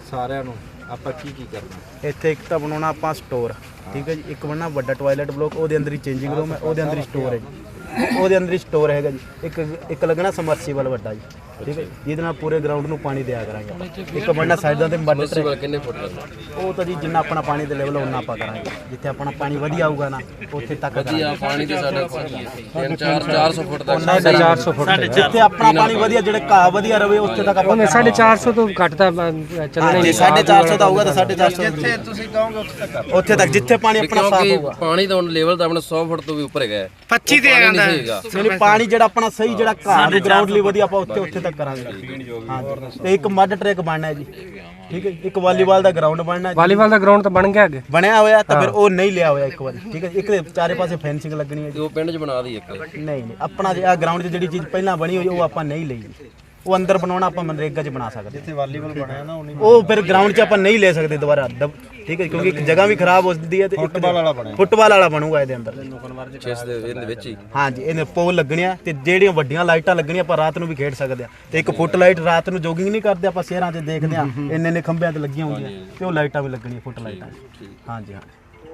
ਸਾਰਿਆਂ ਨੂੰ ਆਪਾਂ ਕੀ ਕਰਨਾ ਇੱਥੇ ਇੱਕ ਤਾਂ ਬਣਾਉਣਾ ਆਪਾਂ ਸਟੋਰ, ਠੀਕ ਹੈ ਜੀ। ਇੱਕ ਬਣਨਾ ਵੱਡਾ ਟਾਇਲਟ ਬਲੋਕ, ਉਹਦੇ ਅੰਦਰ ਹੀ ਚੇਂਜਿੰਗ ਰੂਮ ਹੈ, ਉਹਦੇ ਅੰਦਰ ਹੀ ਸਟੋਰ ਹੈ ਜੀ, ਉਹਦੇ ਅੰਦਰ ਹੀ ਸਟੋਰ ਹੈਗਾ ਜੀ। ਇੱਕ ਲੱਗਣਾ ਸਮਰਸੀਬਲ ਵੱਡਾ ਜੀ, ਠੀਕ ਹੈ, ਜਿਹਦੇ ਨਾਲ ਪੂਰੇ ਗਰਾਊਂਡ ਨੂੰ ਪਾਣੀ ਦਿਆ ਕਰਾਂਗੇ। ਇੱਕ ਬਣਨਾ ਸਾਈਡਾਂ ਤੇ ਮੱਡ ਕਿੰਨੇ ਫੁੱਟ ਲੱਗਦਾ? ਉਹ ਤਾਂ ਜੀ ਜਿੰਨਾ ਆਪਣਾ ਪਾਣੀ ਦੇ ਲੈਵਲ ਉਹਨਾਂ ਆਪਾਂ ਕਰਾਂਗੇ। ਜਿੱਥੇ ਆਪਣਾ ਪਾਣੀ ਵਧੀਆ ਆਊਗਾ ਨਾ ਉੱਥੇ ਤੱਕ ਵਧੀਆ ਪਾਣੀ ਤੇ ਸਾਡਾ 400 ਫੁੱਟ ਤੱਕ 450 ਫੁੱਟ ਜਿੱਥੇ ਆਪਣਾ ਪਾਣੀ ਵਧੀਆ ਜਿਹੜੇ ਘਾਹ ਵਧੀਆ ਰਵੇ ਉੱਥੇ ਤੱਕ ਆਪਾਂ 450 ਤੋਂ ਘੱਟ ਤਾਂ ਚੱਲਣਾ ਹੀ ਨਹੀਂ। 450 ਦਾ ਆਊਗਾ ਤਾਂ 450 ਜਿੱਥੇ ਤੁਸੀਂ ਕਹੋਗੇ ਉੱਥੇ ਤੱਕ ਜਿੱਥੇ ਪਾਣੀ ਆਪਣਾ ਸਾਫ ਹੋਊਗਾ। ਪਾਣੀ ਦਾ ਲੈਵਲ ਤਾਂ ਆਪਣਾ 100 ਫੁੱਟ ਤੋਂ ਵੀ ਉੱਪਰ ਹੈਗਾ 25 ਤੇ ਆਂਦਾ ਨਹੀਂ ਪਾਣੀ ਜਿਹੜਾ ਆਪਣਾ ਸਹੀ ਜਿਹੜਾ ਘਾਹ ਨੂੰ ਗਰਾਊਂਡ ਲਈ ਵਧੀਆ ਆਪਾਂ ਉੱਥੇ ਤੱਕ ਕਰਾਂਗੇ। ਹਾਂ ਤੇ ਇੱਕ ਮੱਡ ਟਰੈਕ ਬਣਨਾ ਹੈ ਜੀ, ਠੀਕ ਹੈ। ਇੱਕ ਵਾਲੀਬਾਲ ਦਾ ਗਰਾਊਂਡ ਬਣਨਾ। ਵਾਲੀਬਾਲ ਦਾ ਗਰਾਊਂਡ ਤਾਂ ਬਣ ਗਿਆ ਅੱਗੇ ਬਣਿਆ ਹੋਇਆ ਤਾਂ ਫਿਰ ਉਹ ਨਹੀਂ ਲਿਆ ਹੋਇਆ ਇੱਕ ਵਾਰੀ, ਠੀਕ ਹੈ। ਇੱਕ ਦੇ ਚਾਰੇ ਪਾਸੇ ਫੈਂਸਿੰਗ ਲੱਗਣੀ ਹੈ ਜੀ। ਉਹ ਪਿੰਡ 'ਚ ਬਣਾ ਦੀ ਇੱਕ ਨਹੀਂ ਆਪਣਾ ਜਿਹੜਾ ਗਰਾਊਂਡ 'ਚ ਜਿਹੜੀ ਚੀਜ਼ ਪਹਿਲਾਂ ਬਣੀ ਹੋਈ ਉਹ ਆਪਾਂ ਨਹੀਂ ਲਈ। ਉਹ ਅੰਦਰ ਬਣਾਉਣਾ ਆਪਾਂ ਮਨਰੇਗਾ 'ਚ ਬਣਾ ਸਕਦੇ। ਜਿੱਥੇ ਵਾਲੀਬਾਲ ਬਣਿਆ ਨਾ ਉਹ ਫਿਰ ਗਰਾਊਂਡ 'ਚ ਆਪਾਂ ਨਹੀਂ ਲੈ ਸਕਦੇ ਦੁਬਾਰਾ, ਠੀਕ ਹੈ, ਕਿਉਂਕਿ ਇੱਕ ਜਗ੍ਹਾ ਵੀ ਖਰਾਬ ਹੋ ਜਾਂਦੀ ਹੈ ਤੇ ਫੁੱਟਬਾਲ ਵਾਲਾ ਬਣੂਗਾ ਇਹਦੇ ਅੰਦਰ। 6 ਦੇ ਵਿੱਚ ਹੀ ਹਾਂਜੀ ਇਹਨੇ ਪੋਲ ਲੱਗਣੀਆਂ ਤੇ ਜਿਹੜੀਆਂ ਵੱਡੀਆਂ ਲਾਈਟਾਂ ਲੱਗਣੀਆਂ ਆਪਾਂ ਰਾਤ ਨੂੰ ਵੀ ਖੇਡ ਸਕਦੇ ਆ। ਤੇ ਇੱਕ ਫੁੱਟ ਲਾਈਟ ਰਾਤ ਨੂੰ ਜੋਗਿੰਗ ਨਹੀਂ ਕਰਦੇ ਆਪਾਂ ਸ਼ਹਿਰਾਂ 'ਚ ਦੇਖਦੇ ਆ ਇੰਨੇ ਖੰਭਿਆਂ ਤੇ ਲੱਗੀਆਂ ਹੁੰਦੀਆਂ ਤੇ ਉਹ ਲਾਈਟਾਂ ਵੀ ਲੱਗਣੀਆਂ ਫੁੱਟ ਲਾਈਟਾਂ। ਹਾਂਜੀ ਹਾਂ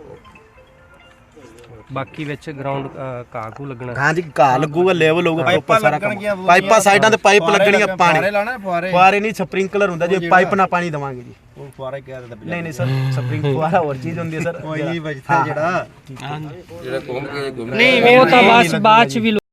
ਬਾਕੀ ਵਿੱਚ ਗਰਾਊਂਡ ਘਾਹ ਲੱਗਣਾ। ਹਾਂਜੀ ਘਾਹ ਲੱਗੂਗਾ, ਲੈਵਲ ਹੋਊਗਾ ਪ੍ਰੋਪਰ ਸਾਰਾ ਕੰਮ। ਪਾਈਪਾਂ ਸਾਈਡਾਂ ਤੇ ਪਾਈਪ ਲੱਗਣੀਆਂ, ਪਾਣੀ ਫੁਆਰੇ ਨਹੀਂ ਸਪ੍ਰਿੰਕਲਰ ਹੁੰਦਾ ਜੇ ਪਾਈਪ ਨਾਲ ਪਾਣੀ ਦਵਾਂਗੇ ਜੀ। ਉਹ ਫੁਆਰਾ ਕਹਿ ਦਿੰਦਾ ਨਹੀਂ ਸਰ ਸਪ੍ਰਿੰਗ ਫੁਆਰਾ ਹੋਰ ਚੀਜ਼ ਹੁੰਦੀ ਹੈ ਸਰ। ਕੋਈ ਨਹੀਂ ਬਚਦਾ ਜਿਹੜਾ ਘੁੰਮ ਕੇ ਨਹੀਂ ਉਹ ਤਾਂ ਬਾਅਦ ਚ ਵੀ।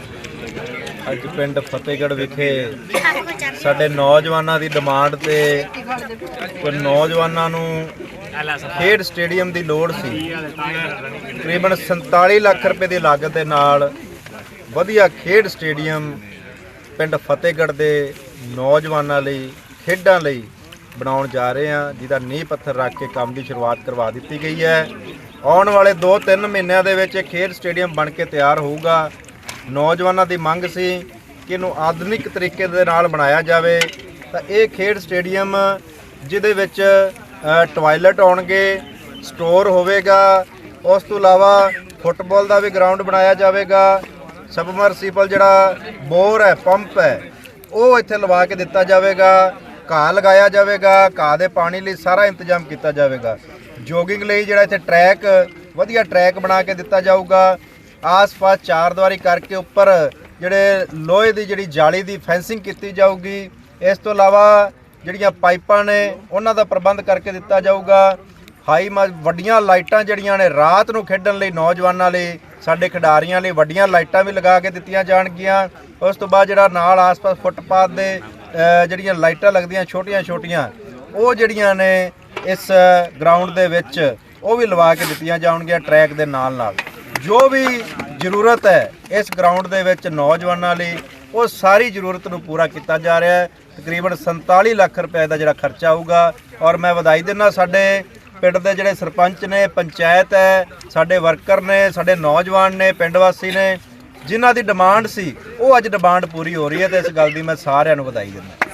ਅੱਜ ਪਿੰਡ ਫਤਿਹਗੜ੍ਹ ਵਿਖੇ ਸਾਡੇ ਨੌਜਵਾਨਾਂ ਦੀ ਡਿਮਾਂਡ ਤੇ ਕੋਈ ਨੌਜਵਾਨਾਂ ਨੂੰ ਖੇਡ ਸਟੇਡੀਅਮ ਦੀ ਲੋੜ ਸੀ। ਤਕਰੀਬਨ 47 ਲੱਖ ਰੁਪਏ ਦੀ ਲਾਗਤ ਦੇ ਨਾਲ ਵਧੀਆ ਖੇਡ ਸਟੇਡੀਅਮ ਪਿੰਡ ਫਤਿਹਗੜ੍ਹ ਦੇ ਨੌਜਵਾਨਾਂ ਲਈ ਖੇਡਾਂ ਲਈ ਬਣਾਉਣ ਜਾ ਰਹੇ ਹਾਂ, ਜਿਹਦਾ ਨੀਂਹ ਪੱਥਰ ਰੱਖ ਕੇ ਕੰਮ ਦੀ ਸ਼ੁਰੂਆਤ ਕਰਵਾ ਦਿੱਤੀ ਗਈ ਹੈ। ਆਉਣ ਵਾਲੇ 2-3 ਮਹੀਨਿਆਂ ਦੇ ਵਿੱਚ ਇਹ ਖੇਡ ਸਟੇਡੀਅਮ ਬਣ ਕੇ ਤਿਆਰ ਹੋਊਗਾ। ਨੌਜਵਾਨਾਂ ਦੀ ਮੰਗ ਸੀ ਕਿ ਇਹਨੂੰ ਆਧੁਨਿਕ ਤਰੀਕੇ ਦੇ ਨਾਲ ਬਣਾਇਆ ਜਾਵੇ ਤਾਂ ਇਹ ਖੇਡ ਸਟੇਡੀਅਮ ਜਿਹਦੇ ਵਿੱਚ ਟਾਇਲਟ ਆਉਣਗੇ, ਸਟੋਰ ਹੋਵੇਗਾ, ਉਸ ਤੋਂ ਇਲਾਵਾ ਫੁੱਟਬਾਲ ਦਾ ਵੀ ਗਰਾਊਂਡ ਬਣਾਇਆ ਜਾਵੇਗਾ। ਸਬਮਰਸੀਬਲ ਜਿਹੜਾ ਬੋਰ ਹੈ, ਪੰਪ ਹੈ, ਉਹ ਇੱਥੇ ਲਵਾ ਕੇ ਦਿੱਤਾ ਜਾਵੇਗਾ। ਘਾਹ ਲਗਾਇਆ ਜਾਵੇਗਾ, ਘਾਹ ਦੇ ਪਾਣੀ ਲਈ ਸਾਰਾ ਇੰਤਜ਼ਾਮ ਕੀਤਾ ਜਾਵੇਗਾ। ਜੋਗਿੰਗ ਲਈ ਜਿਹੜਾ ਇੱਥੇ ਟਰੈਕ ਵਧੀਆ ਟਰੈਕ ਬਣਾ ਕੇ ਦਿੱਤਾ ਜਾਊਗਾ। ਆਸ-ਪਾਸ ਚਾਰਦੀਵਾਰੀ ਕਰਕੇ ਉੱਪਰ ਜਿਹੜੇ ਲੋਹੇ ਦੀ ਜਿਹੜੀ ਜਾਲੀ ਦੀ ਫੈਂਸਿੰਗ ਕੀਤੀ ਜਾਊਗੀ। ਇਸ ਤੋਂ ਇਲਾਵਾ ਜਿਹੜੀਆਂ ਪਾਈਪਾਂ ਨੇ ਉਹਨਾਂ ਦਾ ਪ੍ਰਬੰਧ ਕਰਕੇ ਦਿੱਤਾ ਜਾਊਗਾ। ਵੱਡੀਆਂ ਲਾਈਟਾਂ ਜਿਹੜੀਆਂ ਨੇ ਰਾਤ ਨੂੰ ਖੇਡਣ ਲਈ ਨੌਜਵਾਨਾਂ ਲਈ, ਸਾਡੇ ਖਿਡਾਰੀਆਂ ਲਈ ਵੱਡੀਆਂ ਲਾਈਟਾਂ ਵੀ ਲਗਾ ਕੇ ਦਿੱਤੀਆਂ ਜਾਣਗੀਆਂ। ਉਸ ਤੋਂ ਬਾਅਦ ਜਿਹੜਾ ਨਾਲ ਆਸ-ਪਾਸ ਫੁੱਟਪਾਥ ਦੇ ਜਿਹੜੀਆਂ ਲਾਈਟਾਂ ਲੱਗਦੀਆਂ ਛੋਟੀਆਂ ਉਹ ਜਿਹੜੀਆਂ ਨੇ ਇਸ ਗਰਾਊਂਡ ਦੇ ਵਿੱਚ ਉਹ ਵੀ ਲਵਾ ਕੇ ਦਿੱਤੀਆਂ ਜਾਣਗੀਆਂ ਟਰੈਕ ਦੇ ਨਾਲ। ਜੋ ਵੀ ਜ਼ਰੂਰਤ ਹੈ ਇਸ ਗਰਾਊਂਡ ਦੇ ਵਿੱਚ ਨੌਜਵਾਨਾਂ ਲਈ ਉਹ ਸਾਰੀ ਜ਼ਰੂਰਤ ਨੂੰ ਪੂਰਾ ਕੀਤਾ ਜਾ ਰਿਹਾ ਹੈ। ਤਕਰੀਬਨ 47 ਲੱਖ ਰੁਪਏ ਦਾ ਜਿਹੜਾ ਖਰਚਾ ਆਊਗਾ। ਔਰ ਮੈਂ ਵਧਾਈ ਦਿੰਦਾ ਸਾਡੇ ਪਿੰਡ ਦੇ ਜਿਹੜੇ ਸਰਪੰਚ ਨੇ, ਪੰਚਾਇਤ ਹੈ, ਸਾਡੇ ਵਰਕਰ ਨੇ, ਸਾਡੇ ਨੌਜਵਾਨ ਨੇ, ਪਿੰਡ ਵਾਸੀ ਨੇ, ਜਿਨ੍ਹਾਂ ਦੀ ਡਿਮਾਂਡ ਸੀ ਉਹ ਅੱਜ ਡਿਮਾਂਡ ਪੂਰੀ ਹੋ ਰਹੀ ਹੈ ਤੇ ਇਸ ਗੱਲ ਦੀ ਮੈਂ ਸਾਰਿਆਂ ਨੂੰ ਵਧਾਈ ਦਿੰਦਾ।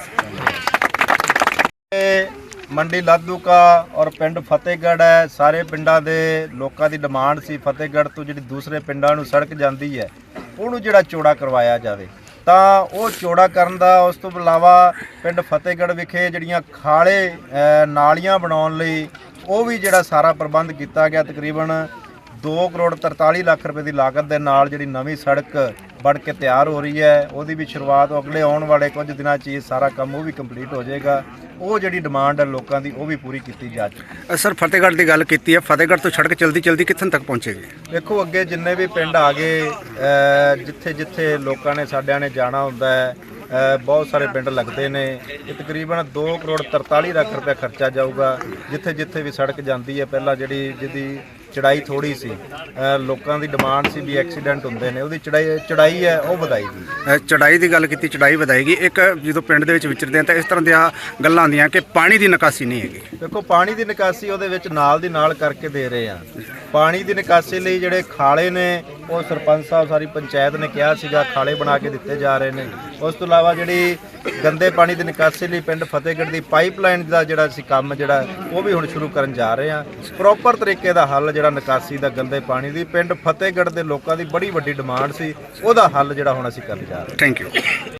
ਮੰਡੀ ਲਾਧੂਕਾ ਔਰ ਪਿੰਡ ਫਤਿਹਗੜ੍ਹ ਹੈ, ਸਾਰੇ ਪਿੰਡਾਂ ਦੇ ਲੋਕਾਂ ਦੀ ਡਿਮਾਂਡ ਸੀ ਫਤਿਹਗੜ੍ਹ ਤੋਂ ਜਿਹੜੀ ਦੂਸਰੇ ਪਿੰਡਾਂ ਨੂੰ ਸੜਕ ਜਾਂਦੀ ਹੈ ਉਹਨੂੰ ਜਿਹੜਾ ਚੌੜਾ ਕਰਵਾਇਆ ਜਾਵੇ ਤਾਂ ਉਹ ਚੌੜਾ ਕਰਨ ਦਾ। ਉਸ ਤੋਂ ਇਲਾਵਾ ਪਿੰਡ ਫਤਿਹਗੜ੍ਹ ਵਿਖੇ ਜਿਹੜੀਆਂ ਖਾਲੇ ਨਾਲੀਆਂ ਬਣਾਉਣ ਲਈ ਉਹ ਵੀ ਜਿਹੜਾ ਸਾਰਾ ਪ੍ਰਬੰਧ ਕੀਤਾ ਗਿਆ। ਤਕਰੀਬਨ 2 ਕਰੋੜ 43 ਲੱਖ ਰੁਪਏ ਦੀ ਲਾਗਤ ਦੇ ਨਾਲ ਜਿਹੜੀ ਨਵੀਂ ਸੜਕ ਬਣ ਕੇ ਤਿਆਰ ਹੋ ਰਹੀ ਹੈ ਉਹਦੀ ਵੀ ਸ਼ੁਰੂਆਤ ਅਗਲੇ ਆਉਣ ਵਾਲੇ ਕੁਝ ਦਿਨਾਂ 'ਚ ਇਹ ਸਾਰਾ ਕੰਮ ਉਹ ਵੀ ਕੰਪਲੀਟ ਹੋ ਜਾਏਗਾ। ਉਹ ਜਿਹੜੀ ਡਿਮਾਂਡ ਹੈ ਲੋਕਾਂ ਦੀ ਉਹ ਵੀ ਪੂਰੀ ਕੀਤੀ ਜਾ ਚੁੱਕੀ। ਸਰ ਫਤਿਹਗੜ੍ਹ ਦੀ ਗੱਲ ਕੀਤੀ ਹੈ, ਫਤਿਹਗੜ੍ਹ ਤੋਂ ਸੜਕ ਚਲਦੀ ਕਿੱਥੋਂ ਤੱਕ ਪਹੁੰਚੇਗੀ? ਦੇਖੋ ਅੱਗੇ ਜਿੰਨੇ ਵੀ ਪਿੰਡ ਆ ਗਏ, ਜਿੱਥੇ ਲੋਕਾਂ ਨੇ ਸਾਡਿਆਂ ਨੇ ਜਾਣਾ ਹੁੰਦਾ ਹੈ, ਬਹੁਤ ਸਾਰੇ ਪਿੰਡ ਲੱਗਦੇ ਨੇ। ਇਹ ਤਕਰੀਬਨ 2 ਕਰੋੜ 43 ਲੱਖ ਰੁਪਏ ਖਰਚਾ ਜਾਊਗਾ। ਜਿੱਥੇ ਵੀ ਸੜਕ ਜਾਂਦੀ ਹੈ ਪਹਿਲਾਂ ਜਿਹਦੀ ਚੜਾਈ ਥੋੜੀ ਸੀ, ਲੋਕਾਂ ਦੀ ਡਿਮਾਂਡ ਸੀ ਵੀ ਐਕਸੀਡੈਂਟ ਹੁੰਦੇ ਨੇ, ਉਹਦੀ ਚੜਾਈ ਹੈ ਉਹ ਵਧਾਏਗੀ। ਚੜਾਈ ਦੀ ਗੱਲ ਕੀਤੀ, ਚੜਾਈ ਵਧਾਏਗੀ। ਇੱਕ ਜਦੋਂ ਪਿੰਡ ਦੇ ਵਿੱਚ ਵਿਚਰਦੇ ਆ ਤਾਂ ਇਸ ਤਰ੍ਹਾਂ ਦੀਆਂ ਗੱਲਾਂ ਆਉਂਦੀਆਂ ਕਿ ਪਾਣੀ ਦੀ ਨਿਕਾਸੀ ਨਹੀਂ ਹੈਗੀ। ਦੇਖੋ ਪਾਣੀ ਦੀ ਨਿਕਾਸੀ ਉਹਦੇ ਵਿੱਚ ਨਾਲ ਦੀ ਨਾਲ ਕਰਕੇ ਦੇ ਰਹੇ ਆ। ਪਾਣੀ ਦੀ ਨਿਕਾਸੀ ਲਈ ਜਿਹੜੇ ਖਾਲੇ ਨੇ ਉਹ ਸਰਪੰਚ ਸਾਹਿਬ ਸਾਰੀ ਪੰਚਾਇਤ ਨੇ ਕਿਹਾ ਸੀਗਾ ਖਾਲੇ ਬਣਾ ਕੇ ਦਿੱਤੇ ਜਾ ਰਹੇ ਨੇ। ਉਸ ਤੋਂ ਇਲਾਵਾ ਜਿਹੜੀ ਗੰਦੇ ਪਾਣੀ ਦੀ ਨਿਕਾਸੀ ਲਈ ਪਿੰਡ ਫਤਿਹਗੜ੍ਹ ਦੀ ਪਾਈਪਲਾਈਨ ਦਾ ਜਿਹੜਾ ਅਸੀਂ ਕੰਮ ਜਿਹੜਾ ਉਹ ਵੀ ਹੁਣ ਸ਼ੁਰੂ ਕਰਨ ਜਾ ਰਹੇ ਹਾਂ। ਪ੍ਰੋਪਰ ਤਰੀਕੇ ਦਾ ਹੱਲ ਜਿਹੜਾ ਨਿਕਾਸੀ ਦਾ ਗੰਦੇ ਪਾਣੀ ਦੀ ਪਿੰਡ ਫਤਿਹਗੜ੍ਹ ਦੇ ਲੋਕਾਂ ਦੀ ਬੜੀ ਵੱਡੀ ਡਿਮਾਂਡ ਸੀ, ਉਹਦਾ ਹੱਲ ਜਿਹੜਾ ਹੁਣ ਅਸੀਂ ਕਰਨ ਜਾ ਰਹੇ ਹਾਂ। Thank you.